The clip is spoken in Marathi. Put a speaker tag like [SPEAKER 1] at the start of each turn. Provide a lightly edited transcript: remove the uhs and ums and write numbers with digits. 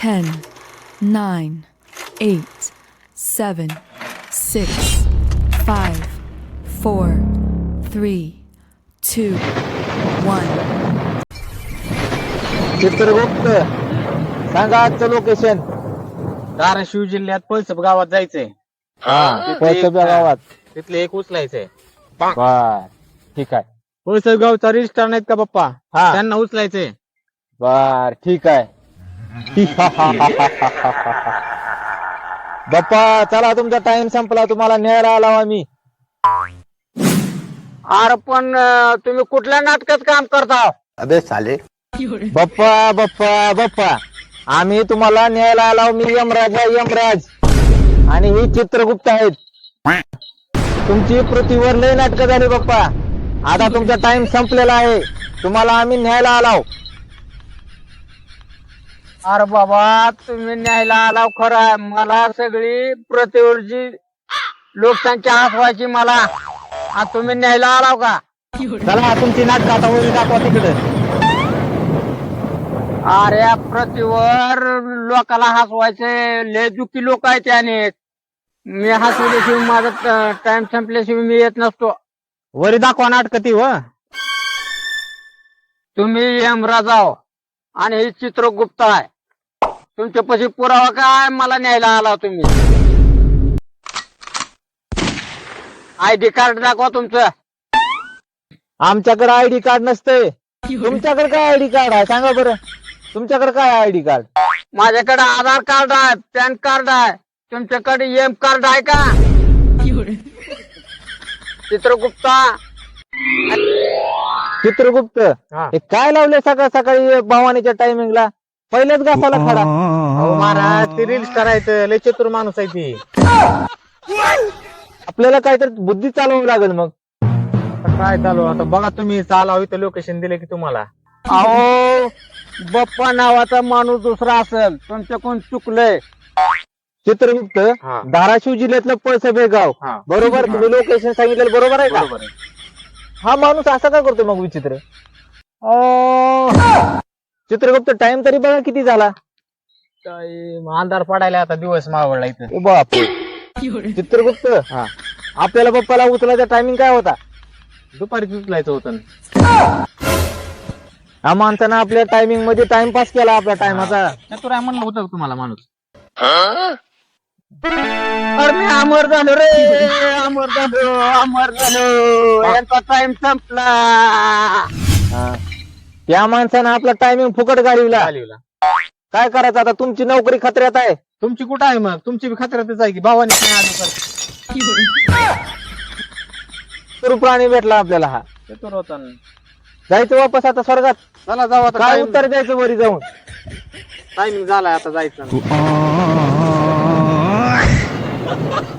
[SPEAKER 1] 10, 9, 8, 7, 6, 5, 4, 3, 2, 1.
[SPEAKER 2] चित्रगुप्त सांगा आजचं लोकेशन.
[SPEAKER 3] धाराशिव जिल्ह्यात पळसप गावात जायचंय.
[SPEAKER 2] हा पळसप गावात.
[SPEAKER 3] तिथले एक उचलायचंय.
[SPEAKER 2] बर ठीक आहे.
[SPEAKER 3] पळसप गावचा रजिस्टर नाहीत का पप्पा,
[SPEAKER 2] हा
[SPEAKER 3] त्यांना उचलायचंय.
[SPEAKER 2] बर ठीक आहे. बाप्पा चला तुमचा टाइम संपला, तुम्हाला न्यायला आला आम्ही.
[SPEAKER 3] अरे पण तुम्ही कुठल्या नाटकात काम करता?
[SPEAKER 2] अबे साले. बाप्पा बाप्पा बाप्पा आम्ही तुम्हाला न्यायला आला. मी यमराज आहे, यमराज. आणि ही चित्रगुप्त आहेत. तुमची पृथ्वीवर लय नाटकं झाली बाप्पा. आता तुमचा टाइम संपलेला आहे, तुम्हाला आम्ही न्यायला आलाव.
[SPEAKER 3] अरे बाबा तुम्ही न्यायला आलाव खरं, मला सगळी प्रतिवर्षी लोकसंख्या हसवायची मला, आणि तुम्ही न्यायला आलाव का?
[SPEAKER 2] चला तुमची नाटकं आता वरी दाखवा तिकडे.
[SPEAKER 3] अरे पृथ्वीवर लोकाला हसवायचे लय दुःखी लोक आहेत त्याने. मी हसवल्याशिवाय माझा टाइम संपल्याशिवाय मी येत नसतो.
[SPEAKER 2] वरी दाखवा नाटकं ती व.
[SPEAKER 3] तुम्ही यमराज आहो आणि हे चित्रगुप्त आहे. तुमच्यापाशी पुरावा काय मला न्यायला आला तुम्ही? आयडी कार्ड दाखवा तुमचं.
[SPEAKER 2] आमच्याकडे आयडी कार्ड नसतंय. तुमच्याकडे काय आयडी कार्ड आहे सांगा बरं. तुमच्याकडे काय आयडी कार्ड?
[SPEAKER 3] माझ्याकडे आधार कार्ड आहे, पॅन कार्ड आहे. तुमच्याकडे एम कार्ड आहे का? चित्रगुप्ता.
[SPEAKER 2] चित्रगुप्त हे काय लावले सकाळ सकाळी भवानीच्या टायमिंगला? पहिलेच घासाला खडा.
[SPEAKER 3] अहो महाराज ते रील्स करायचं, लय चतुर माणूस आहे ती.
[SPEAKER 2] आपल्याला काहीतरी बुद्धी चालवावी लागेल मग.
[SPEAKER 3] काय चालू आता बघा तुम्ही, चालावं इथं लोकेशन दिले की तुम्हाला.
[SPEAKER 2] अहो
[SPEAKER 3] बप्पा नावाचा माणूस दुसरा असेल, तुमच्याकडून चुकलंय.
[SPEAKER 2] चित्रगुप्त
[SPEAKER 3] हा.
[SPEAKER 2] धाराशिव जिल्ह्यातलं पळसप हे गाव
[SPEAKER 3] हा.
[SPEAKER 2] बरोबर. तुम्ही लोकेशन सांगितलं बरोबर आहे का?
[SPEAKER 3] बरोबर आहे.
[SPEAKER 2] हा माणूस असा का करतो मग विचित्र? चित्रगुप्त टाइम तरी बघा किती झाला.
[SPEAKER 3] अंधार पडायला आता, दिवस मावळला इथं.
[SPEAKER 2] ओ बाप. चित्रगुप्त
[SPEAKER 3] हा.
[SPEAKER 2] आपल्याला बाप्पाला उचलायचा टायमिंग काय होता?
[SPEAKER 3] दुपारी उचलायचं होतं.
[SPEAKER 2] हा माणसानं आपल्या टायमिंग मध्ये टाइमपास केला आपल्या टायमाचा.
[SPEAKER 3] चतुर आहे म्हणलं होतं तुम्हाला माणूस. अरे मी अमर झालो रे, अमर झालो, अमर झालो. यांचा टाइम संपला.
[SPEAKER 2] हा. त्या माणसानं आपला टायमिंग फुकट घालविला. काय करायचं आता? तुमची नोकरी खतऱ्यात आहे.
[SPEAKER 3] तुमची कुठं आहे मग? तुमची बी खतऱ्यातच आहे की भावानी नाही आलो तर.
[SPEAKER 2] प्राणी भेटला आपल्याला हा.
[SPEAKER 3] चतुर होता.
[SPEAKER 2] जायचं वापस आता स्वर्गात.
[SPEAKER 3] चला जाऊ आता.
[SPEAKER 2] काय उत्तर द्यायचं वरी जाऊन?
[SPEAKER 3] टायमिंग झालाय आता जायचं.